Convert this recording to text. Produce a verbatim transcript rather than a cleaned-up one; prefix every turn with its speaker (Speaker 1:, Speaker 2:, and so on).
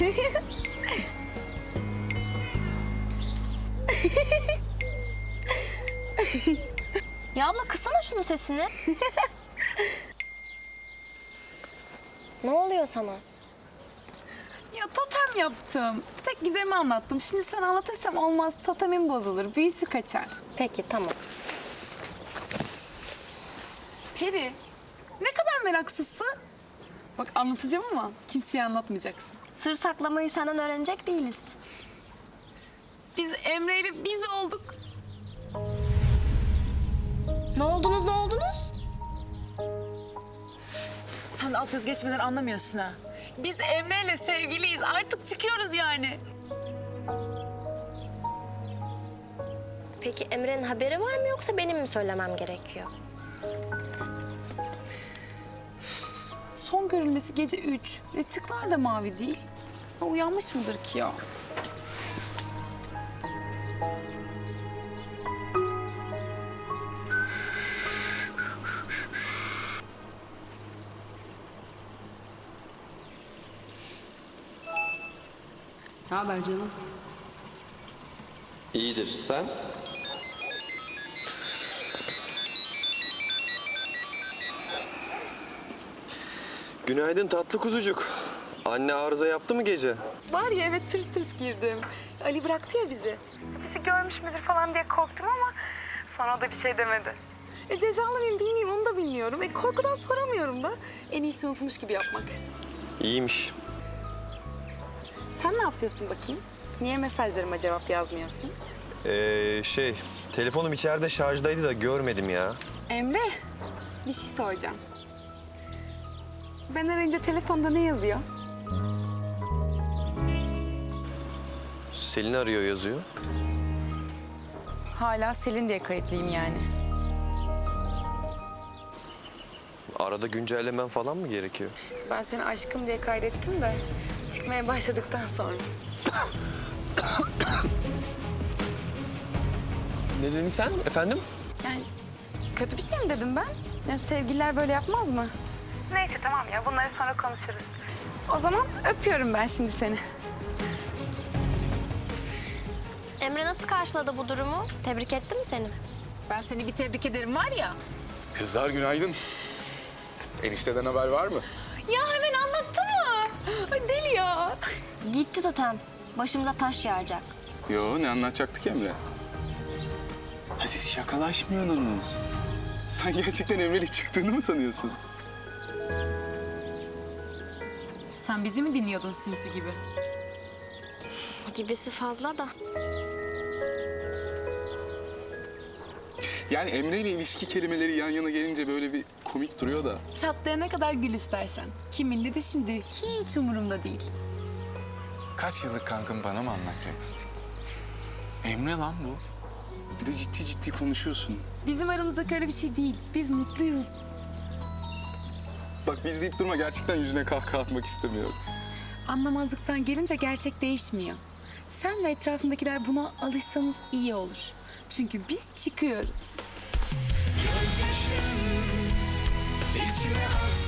Speaker 1: Ya abla kıssana şunun sesini. Ne oluyor sana?
Speaker 2: Ya totem yaptım. Tek Gizem'i anlattım. Şimdi sen anlatırsam olmaz. Totemim bozulur. Büyüsü kaçar.
Speaker 1: Peki tamam.
Speaker 2: Peri, ne kadar meraksızsın. Bak anlatacağım ama kimseye anlatmayacaksın.
Speaker 1: Sır saklamayı senden öğrenecek değiliz.
Speaker 2: Biz Emre ile biz olduk.
Speaker 1: Ne oldunuz ne oldunuz?
Speaker 2: Sen de alt yazı geçmeden anlamıyorsun ha. Biz Emre ile sevgiliyiz. Artık çıkıyoruz yani.
Speaker 1: Peki Emre'nin haberi var mı yoksa benim mi söylemem gerekiyor?
Speaker 2: Son görülmesi gece üç. E, tıklar da mavi değil. O uyanmış mıdır ki ya? Ne haber canım?
Speaker 3: İyidir. Sen? Günaydın tatlı kuzucuk. Anne arıza yaptı mı gece?
Speaker 2: Var ya evet tırs tırs girdim. Ali bıraktı ya bizi.
Speaker 4: Bizi görmüş müdür falan diye korktum ama sonra o da bir şey demedi.
Speaker 2: E cezalı mıyım değil miyim onu da bilmiyorum. E korkudan soramıyorum da. En iyisi unutmuş gibi yapmak.
Speaker 3: İyiymiş.
Speaker 2: Sen ne yapıyorsun bakayım? Niye mesajlarıma cevap yazmıyorsun?
Speaker 3: Ee, şey, telefonum içeride şarjdaydı da görmedim ya.
Speaker 2: Emre, bir şey soracağım. Ben arayınca telefonda ne yazıyor?
Speaker 3: Selin arıyor yazıyor.
Speaker 2: Hala Selin diye kayıtlıyım yani.
Speaker 3: Arada güncellemen falan mı gerekiyor?
Speaker 2: Ben seni aşkım diye kaydettim de çıkmaya başladıktan sonra.
Speaker 3: Ne dedin sen efendim?
Speaker 2: Yani kötü bir şey mi dedim ben? Yani sevgililer böyle yapmaz mı?
Speaker 4: Neyse tamam ya bunları sonra konuşuruz.
Speaker 2: O zaman öpüyorum ben şimdi seni.
Speaker 1: Emre nasıl karşıladı bu durumu? Tebrik etti mi seni?
Speaker 2: Ben seni bir tebrik ederim var ya.
Speaker 5: Kızlar günaydın. Enişteden haber var mı?
Speaker 2: Ya hemen anlattı mı? Ay deli ya.
Speaker 1: Gitti totem. Başımıza taş yağacak.
Speaker 5: Yo, ne anlatacaktık Emre? Ha siz şakalaşmıyorsunuz. Sen gerçekten Emre'yle çıktığını mı sanıyorsun?
Speaker 2: Sen bizi mi dinliyordun sinsi gibi?
Speaker 1: Gibisi fazla da.
Speaker 5: Yani Emre ile ilişki kelimeleri yan yana gelince böyle bir komik duruyor da.
Speaker 2: Çatlayana kadar gül istersen. Kimin ne düşündüğü hiç umurumda değil.
Speaker 5: Kaç yıllık kankım bana mı anlatacaksın? Emre lan bu. Bir de ciddi ciddi konuşuyorsun.
Speaker 2: Bizim aramızdaki öyle bir şey değil. Biz mutluyuz.
Speaker 5: Bak biz deyip durma, gerçekten yüzüne kahkaha atmak istemiyorum.
Speaker 2: Anlamazlıktan gelince gerçek değişmiyor. Sen ve etrafındakiler buna alışsanız iyi olur. Çünkü biz çıkıyoruz.
Speaker 6: Gözyaşım içine aksa